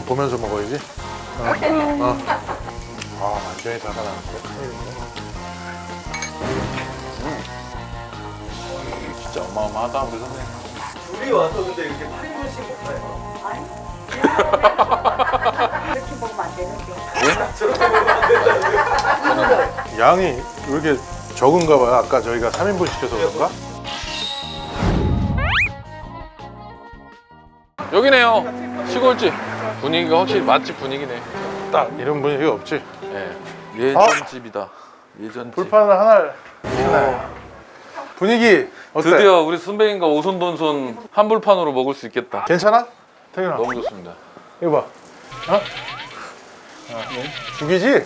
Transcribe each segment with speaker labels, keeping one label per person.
Speaker 1: 보면서 먹어야지. 완전히 달아나는데.
Speaker 2: 진짜 어마어마하다 우리 선생님.
Speaker 3: 둘이 와서 근데 이렇게 8인분씩 먹나요?
Speaker 4: 아니. 이렇게 먹으면 안 되는데.
Speaker 1: 양이 왜 이렇게 적은가 봐요. 아까 저희가 3인분 시켜서 그런가?
Speaker 2: 여기네요. 시골집. 분위기가 확실히 맛집 분위기네.
Speaker 1: 딱 이런 분위기가 없지.
Speaker 2: 예. 예전집이다. 예전집.
Speaker 1: 불판을 하나 해놔요. 분위기 어때?
Speaker 2: 드디어 우리 선배님과 오손돈손 한불판으로 먹을 수 있겠다.
Speaker 1: 괜찮아? 태균아
Speaker 2: 너무 좋습니다.
Speaker 1: 이거 봐. 죽이지?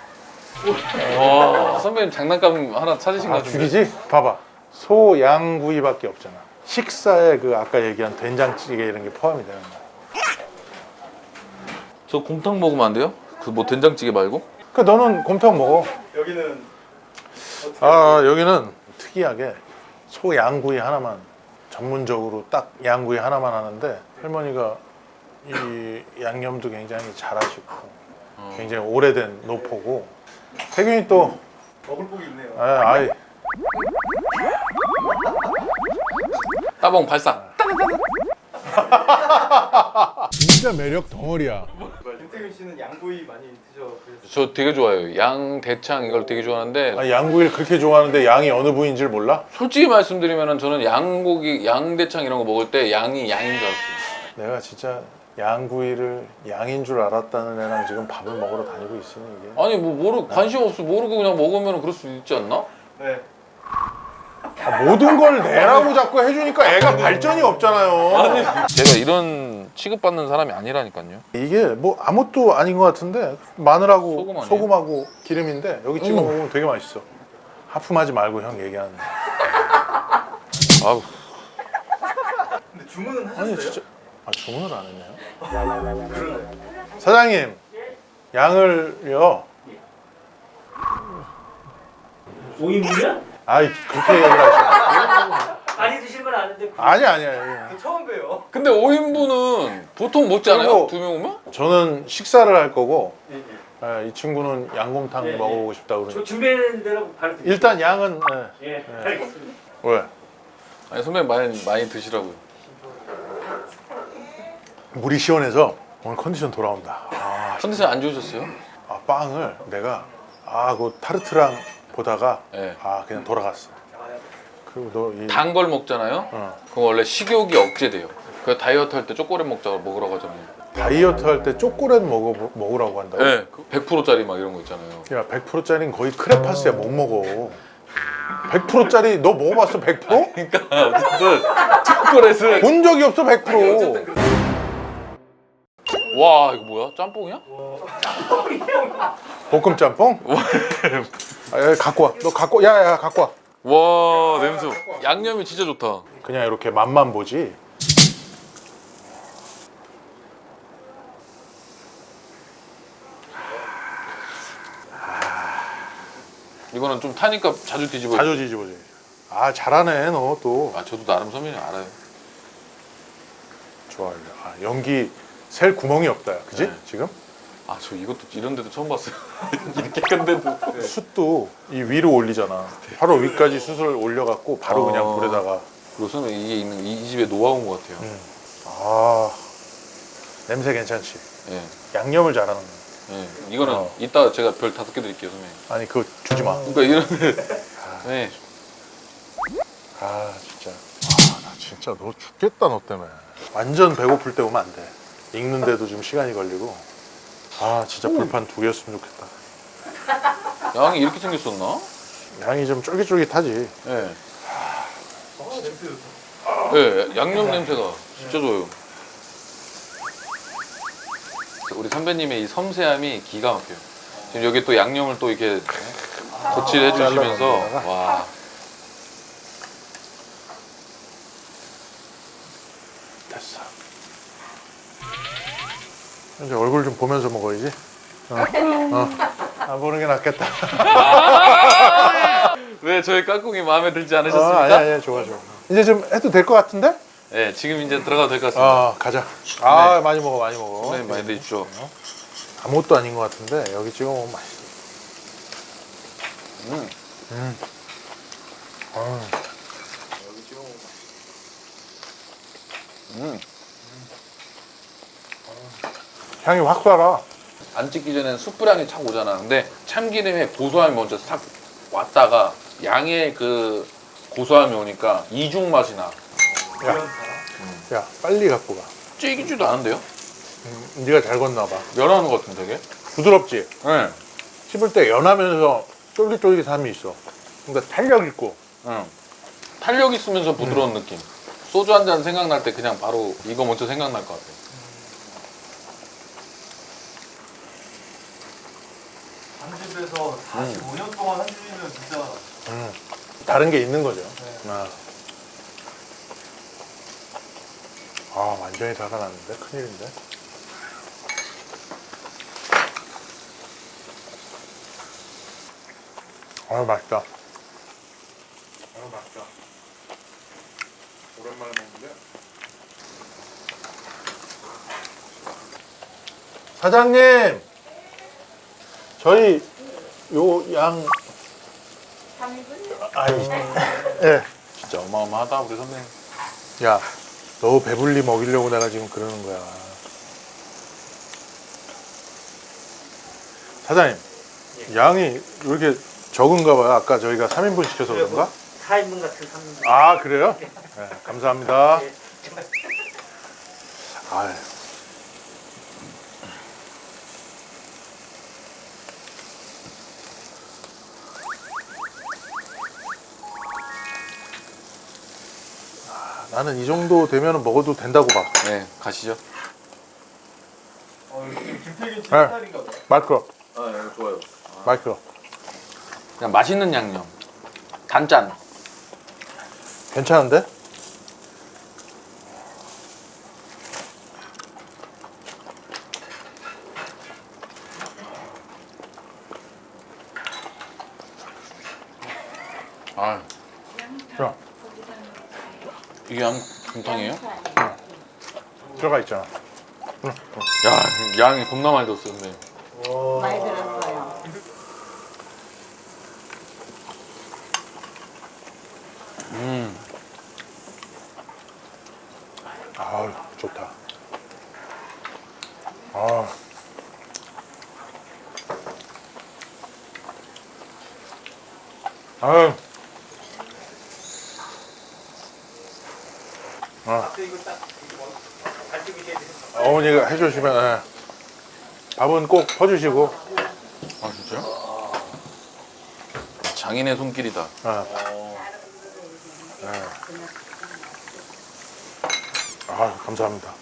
Speaker 2: 와, 선배님 장난감 하나 찾으신 것 같은데.
Speaker 1: 죽이지? 봐봐. 소, 양 구이밖에 없잖아. 식사에 그 아까 얘기한 된장찌개 이런 게 포함이 되는 거야.
Speaker 2: 저 곰탕 먹으면 안 돼요? 그 뭐 된장찌개 말고?
Speaker 1: 그 너는 곰탕 먹어.
Speaker 3: 여기는
Speaker 1: 여기는 특이하게 소 양구이 하나만 전문적으로 딱 양구이 하나만 하는데 할머니가 이 양념도 굉장히 잘하시고 굉장히 오래된 노포고 태균이 또
Speaker 3: 먹을 복이 있네요.
Speaker 1: 아이
Speaker 2: 따봉 발상.
Speaker 1: 진짜 매력 덩어리야.
Speaker 3: 김태균 씨는 양구이 많이 드셔보셨어요?
Speaker 2: 저 되게 좋아해요. 양 대창 이걸 되게 좋아하는데
Speaker 1: 양구이를 그렇게 좋아하는데 양이 어느 부위인지를 몰라?
Speaker 2: 솔직히 말씀드리면 저는 양고기, 양대창 이런 거 먹을 때 양이 양인 줄 알았어요.
Speaker 1: 내가 진짜 양구이를 양인 줄 알았다는 애랑 지금 밥을 먹으러 다니고 있으니 이게
Speaker 2: 아니 뭐 관심 없어 모르고 그냥 먹으면 그럴 수 있지 않나?
Speaker 3: 네.
Speaker 1: 모든 걸 내라고 자꾸 해주니까 애가 발전이 없잖아요.
Speaker 2: 제가 이런 취급받는 사람이 아니라니까요.
Speaker 1: 이게 뭐 아무것도 아닌 것 같은데 마늘하고
Speaker 2: 소금 아니에요?
Speaker 1: 소금하고 기름인데 여기 찍어 먹으면 되게 맛있어. 하품하지 말고 형 얘기하는데.
Speaker 2: 아우.
Speaker 3: 근데 주문은 하셨어요?
Speaker 1: 아니 진짜 주문을 안 했네요. 사장님 양을요.
Speaker 5: 5인분이야?
Speaker 1: 아이 그렇게 얘기를 하시네.
Speaker 5: 많이 드시면 아는데
Speaker 1: 아니야.
Speaker 3: 저 처음 봬요.
Speaker 2: 근데 5인분은 보통 먹지 않아요?
Speaker 1: 그리고-
Speaker 2: 2명 오면?
Speaker 1: 저는 식사를 할 거고
Speaker 3: 예.
Speaker 1: 이 친구는 양곰탕
Speaker 5: 네, 네.
Speaker 1: 먹어보고 싶다 그러니
Speaker 5: 저 준비하는 대로 바로 드릴게요.
Speaker 1: 일단 양은
Speaker 5: 예, 알겠습니다.
Speaker 1: 왜?
Speaker 2: 아니 선배님 많이 드시라고요.
Speaker 1: 물이 시원해서 오늘 컨디션 돌아온다.
Speaker 2: 컨디션 안 좋으셨어요?
Speaker 1: 빵을 내가 그 타르트랑 보다가
Speaker 2: 네.
Speaker 1: 그냥 돌아갔어. 그리고 너이
Speaker 2: 단 걸 먹잖아요? 그럼 원래 식욕이 억제돼요. 그 다이어트 할 때 초콜릿 먹으라고 하잖아요.
Speaker 1: 다이어트 할 때 초콜릿 먹으라고 한다고?
Speaker 2: 네, 100%짜리 막 이런 거 있잖아요.
Speaker 1: 야 100%짜리는 거의 크레파스야. 못 먹어. 100%짜리 너 먹어봤어 100%?
Speaker 2: 그러니까 어쨌든 초콜릿을
Speaker 1: 본 적이 없어 100%.
Speaker 2: 와 이거 뭐야? 짬뽕이야?
Speaker 1: 볶음 짬뽕? 야, 갖고 와. 너 갖고 야야 갖고 와.
Speaker 2: 와 냄새. 양념이 진짜 좋다.
Speaker 1: 그냥 이렇게 맛만 보지.
Speaker 2: 이거는 좀 타니까 자주 뒤집어요.
Speaker 1: 자주 뒤집어지. 잘하네 너 또.
Speaker 2: 저도 나름 선배님 알아요.
Speaker 1: 좋아. 연기 셀 구멍이 없다. 그지?
Speaker 2: 네.
Speaker 1: 지금?
Speaker 2: 저 이것도 이런 데도 처음 봤어요. 이렇게 큰 데도.
Speaker 1: 숯도 이 위로 올리잖아. 바로 위까지 숯을 올려갖고 바로 그냥 불에다가.
Speaker 2: 그리고 선배님 이게 있는 이 집의 노하우인 것 같아요.
Speaker 1: 냄새 괜찮지?
Speaker 2: 예.
Speaker 1: 양념을 잘하는 거야.
Speaker 2: 예. 이거는 이따 제가 별 5개 드릴게요, 선배님.
Speaker 1: 아니 그거 주지 마.
Speaker 2: 그러니까 이런 네.
Speaker 1: 진짜. 나 진짜 너 죽겠다 너 때문에. 완전 배고플 때 오면 안 돼. 익는데도 좀 시간이 걸리고. 진짜 불판 2개였으면 좋겠다.
Speaker 2: 양이 이렇게 생겼었나?
Speaker 1: 양이 좀 쫄깃쫄깃하지.
Speaker 2: 예.
Speaker 3: 냄새 좋다.
Speaker 2: 예, 양념 냄새가 진짜 좋아요. 우리 선배님의 이 섬세함이 기가 막혀요. 지금 여기 또 양념을 또 이렇게 덧칠해 주시면서 와.
Speaker 1: 됐어. 이제 얼굴 좀 보면서 먹어야지. 안 보는 게 낫겠다.
Speaker 2: 왜 저희 깍꿍이 마음에 들지 않으셨습니까?
Speaker 1: 아니야 좋아. 이제 좀 해도 될 것 같은데?
Speaker 2: 네, 지금 이제 들어가도 될 것 같습니다.
Speaker 1: 아 가자. 아
Speaker 2: 네.
Speaker 1: 많이 먹어 많이 먹어.
Speaker 2: 선배님 많이 드십시오.
Speaker 1: 아무것도 아닌 것 같은데 여기 찍어 먹으면 맛있어.
Speaker 2: 음. 음.
Speaker 1: 향이 확 살아.
Speaker 2: 안 찍기 전에는 숯불향이 착 오잖아. 근데 참기름의 고소함이 먼저 싹 왔다가 양의 그 고소함이 오니까 이중 맛이 나.
Speaker 1: 야 빨리 갖고 가.
Speaker 2: 찌기지도 않은데요?
Speaker 1: 네가 잘 걷나 봐.
Speaker 2: 면하는 것 같은데 되게?
Speaker 1: 부드럽지.
Speaker 2: 네.
Speaker 1: 씹을 때 연하면서 쫄깃쫄깃함이 있어. 그러니까 탄력 있고.
Speaker 2: 응. 탄력 있으면서 부드러운 느낌. 소주 한 잔 생각날 때 그냥 바로 이거 먼저 생각날 것 같아요.
Speaker 3: 한집에서 45년 동안 한집이면 진짜
Speaker 1: 다른 게 있는 거죠.
Speaker 3: 네.
Speaker 1: 완전히 달아났는데 큰일인데. 맛있다. 맛있다. 오랜만에 먹는데. 사장님, 저희 요 양. 아니, 예.
Speaker 2: 진짜 어마어마하다 우리 선배님.
Speaker 1: 야, 너 배불리 먹이려고 내가 지금 그러는 거야. 사장님, 양이 왜 이렇게 적은가 봐요. 아까 저희가 3인분 시켜서 그런가?
Speaker 5: 4인분 같은 3인분.
Speaker 1: 아, 그래요? 네, 감사합니다. 아유. 나는 이 정도 되면 먹어도 된다고 봐.
Speaker 2: 네, 가시죠.
Speaker 3: 김태균 씨
Speaker 1: 네.
Speaker 3: 스타일인가 봐요.
Speaker 1: 마이크로,
Speaker 2: 아, 네, 좋아요.
Speaker 1: 마이크로.
Speaker 2: 그냥 맛있는 양념. 단짠.
Speaker 1: 괜찮은데?
Speaker 2: 아,
Speaker 1: 자,
Speaker 2: 이게 양곰탕이에요?
Speaker 1: 들어가 있잖아.
Speaker 2: 야, 양이 겁나 많이 들었어요, 선배님.
Speaker 4: 많이 들었어요.
Speaker 1: 아유, 좋다. 아. 아유. 어머니가 해주시면 예. 밥은 꼭 퍼주시고.
Speaker 2: 아, 진짜요? 장인의 손길이다.
Speaker 1: 감사합니다.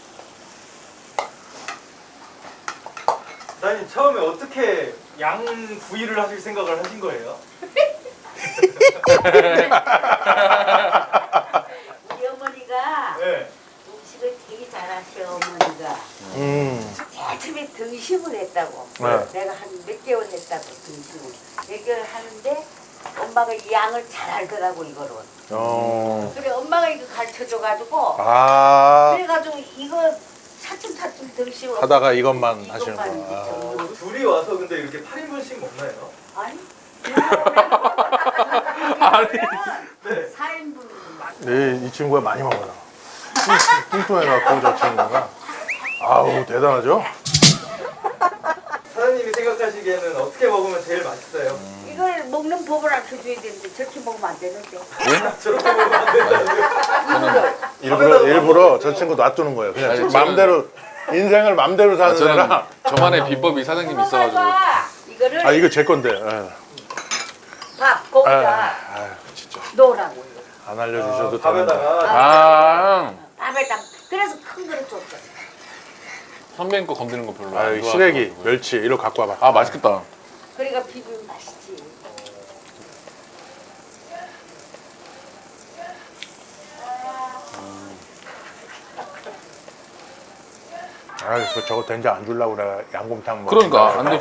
Speaker 3: 사장님 처음에 어떻게 양 구이를 하실 생각을 하신 거예요?
Speaker 4: 우리 어머니가
Speaker 3: 네.
Speaker 4: 음식을 되게 잘하셔. 어머니가 처음에 등심을 했다고.
Speaker 1: 네.
Speaker 4: 내가 한 몇 개월 했다고 등심을. 몇 개월 하는데 엄마가 이 양을 잘 알더라고 이거를. 그래 엄마가 이거 가르쳐줘가지고 그래가지고 이거 차츰차츰 등심을
Speaker 1: 하다가 이것만 하시는 거야.
Speaker 4: 거야.
Speaker 3: 둘이 와서 근데 이렇게 8인분씩 먹나요?
Speaker 4: 아니.
Speaker 2: 아니.
Speaker 3: 네.
Speaker 4: 4인분
Speaker 1: 이 친구가 많이 먹어요. 뚱뚱해갖고 저 친구가. 아우 대단하죠?
Speaker 3: 사장님이 생각하시기에는 어떻게 먹으면 제일 맛있어요?
Speaker 4: 이걸 먹는 법을 알려줘야 되는데 저렇게 먹으면 안 되는데.
Speaker 3: 저렇게 먹으면 안 된다고요?
Speaker 1: 일부러 저 친구 놔두는 거예요. 그냥
Speaker 2: 아니, 저는-
Speaker 1: 맘대로 인생을 맘대로 사는
Speaker 2: 저는
Speaker 1: 애라.
Speaker 2: 저만의 비법이 사장님 있어가지고.
Speaker 4: 이거를
Speaker 1: 아 이거 제 건데. 예.
Speaker 4: 밥 거기다
Speaker 1: 진짜
Speaker 4: 넣으라고.
Speaker 1: 안 알려주셔도 되는데.
Speaker 3: 밥에다가
Speaker 2: 아,
Speaker 4: 밥에다 그래서 큰 그릇 줬어.
Speaker 2: 선배님 거 건드는 거 별로
Speaker 1: 아
Speaker 2: 안
Speaker 1: 여기
Speaker 2: 좋아해가지고.
Speaker 1: 시래기, 멸치 이거 갖고 와봐.
Speaker 2: 아, 맛있겠다.
Speaker 4: 그러니까 비비면 맛있지.
Speaker 1: 아 저거 된장 안 주려고 내가 양곰탕 먹.
Speaker 2: 그러니까 안 돼.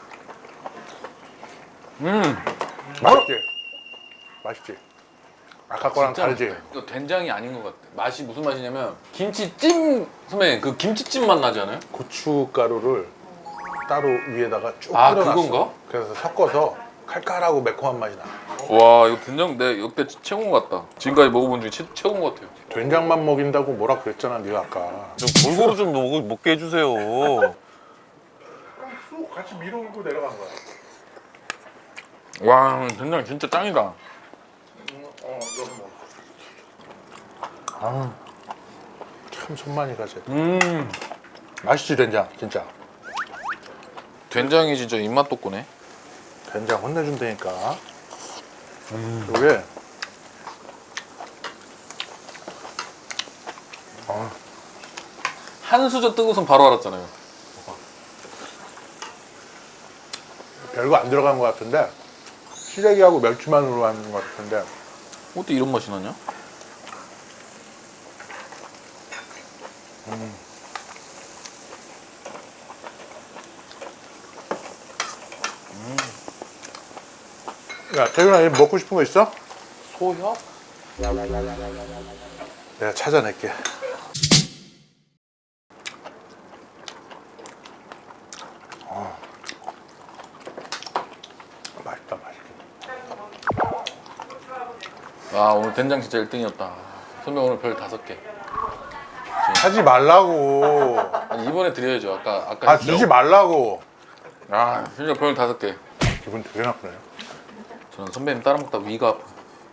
Speaker 1: 맛있지. 맛있지. 아까 거랑
Speaker 2: 진짜
Speaker 1: 다르지?
Speaker 2: 맛있다. 이거 된장이 아닌 것 같아. 맛이 무슨 맛이냐면 김치찜 선배님 그 김치찜 맛 나지 않아요?
Speaker 1: 고춧가루를 따로 위에다가 쭉
Speaker 2: 아,
Speaker 1: 뿌려놨어.
Speaker 2: 그건가?
Speaker 1: 그래서 섞어서 칼칼하고 매콤한 맛이 나.
Speaker 2: 와 이거 된장 내 역대 최고인 것 같다. 지금까지 먹어본 중에 최고인 것 같아요.
Speaker 1: 된장만 먹인다고 뭐라 그랬잖아, 네가 아까.
Speaker 6: 좀 골고루 좀 먹게 해주세요.
Speaker 1: 쑥 같이 밀어오고 내려간 거야.
Speaker 2: 와 된장 진짜 짱이다.
Speaker 1: 아, 참 손만이 가지. 맛있지 된장, 진짜.
Speaker 2: 된장이 진짜 입맛 돋구네.
Speaker 1: 된장 혼내준다니까. 이게
Speaker 2: 한 수저 뜨고선 바로 알았잖아요.
Speaker 1: 별거 안 들어간 것 같은데 시래기하고 멸치만으로 하는 것 같은데
Speaker 2: 어떻게 이런 맛이 나냐?
Speaker 1: 야 태균아 이거 먹고 싶은 거 있어?
Speaker 2: 소협?
Speaker 1: 내가 찾아낼게. 맛있다 맛있다.
Speaker 2: 아 오늘 된장 진짜 1등이었다. 선배 오늘 별 5개.
Speaker 1: 하지 말라고.
Speaker 2: 아니 이번에 드려야죠. 아까
Speaker 1: 아
Speaker 2: 했죠?
Speaker 1: 주지 말라고.
Speaker 2: 아 진짜 별 5개.
Speaker 1: 기분 되게 나쁘네.
Speaker 2: 저는 선배님 따라 먹다 위가 아파.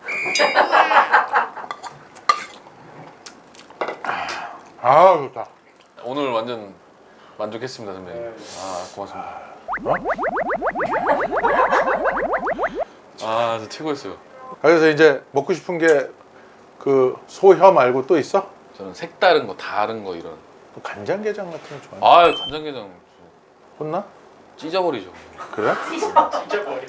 Speaker 1: 아 좋다.
Speaker 2: 오늘 완전 만족했습니다 선배님. 아 고맙습니다. 아 진짜 최고였어요.
Speaker 1: 그래서 이제 먹고 싶은 게 그 소혀 말고 또 있어?
Speaker 2: 저는 색다른 거 다른 거 이런.
Speaker 1: 또 간장게장 같은 거 좋아해?
Speaker 2: 아 간장게장
Speaker 1: 혼나?
Speaker 2: 찢어버리죠.
Speaker 1: 그래?
Speaker 3: 진짜 버려.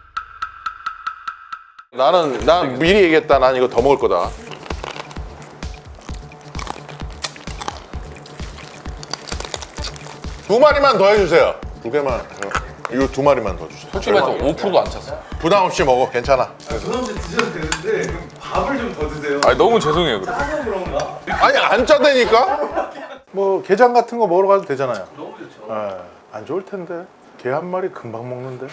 Speaker 1: 난 미리 얘기했다. 난 이거 더 먹을 거다. 두 마리만 더 해주세요. 두 개만. 이거 두 마리만 더 주세요.
Speaker 2: 솔직히 말해서 5%도 안 찼어.
Speaker 1: 부담 없이 먹어. 괜찮아.
Speaker 3: 부담없이 드셔도 되는데 그럼 밥을 좀 더 드세요.
Speaker 2: 아니 너무 죄송해요 그래.
Speaker 3: 짜서 그런가?
Speaker 1: 아니 안 짜다니까? 뭐 게장 같은 거 먹으러 가도 되잖아요.
Speaker 3: 너무 좋죠.
Speaker 1: 예, 안 좋을 텐데. 게 한 마리 금방 먹는데.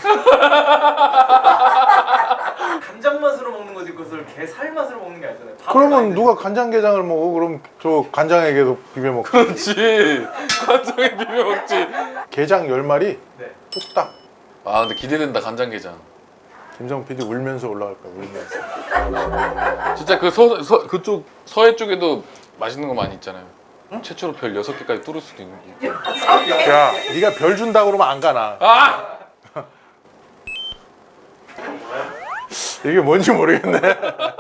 Speaker 3: 간장 맛으로 먹는 거지 그것을 게 살 맛으로 먹는 게 아니잖아요. 밥을
Speaker 1: 그러면
Speaker 3: 많이
Speaker 1: 누가 간장게장을 먹어? 그럼 저 간장에게도 비벼 먹지.
Speaker 2: 그렇지. 간장에 비벼 먹지.
Speaker 1: 게장 10마리
Speaker 3: 네.
Speaker 1: 뚝딱.
Speaker 2: 아 근데 기대된다 간장게장.
Speaker 1: 김성 PD 울면서 올라갈 거야. 울면서.
Speaker 2: 진짜 그 그쪽 서해 쪽에도 맛있는 거 많이 있잖아요. 최초로 별 6개까지 뚫을 수도 있는 게.
Speaker 1: 야, 네가 별 준다 그러면 안 가나.
Speaker 2: 아!
Speaker 1: 이게 뭔지 모르겠네.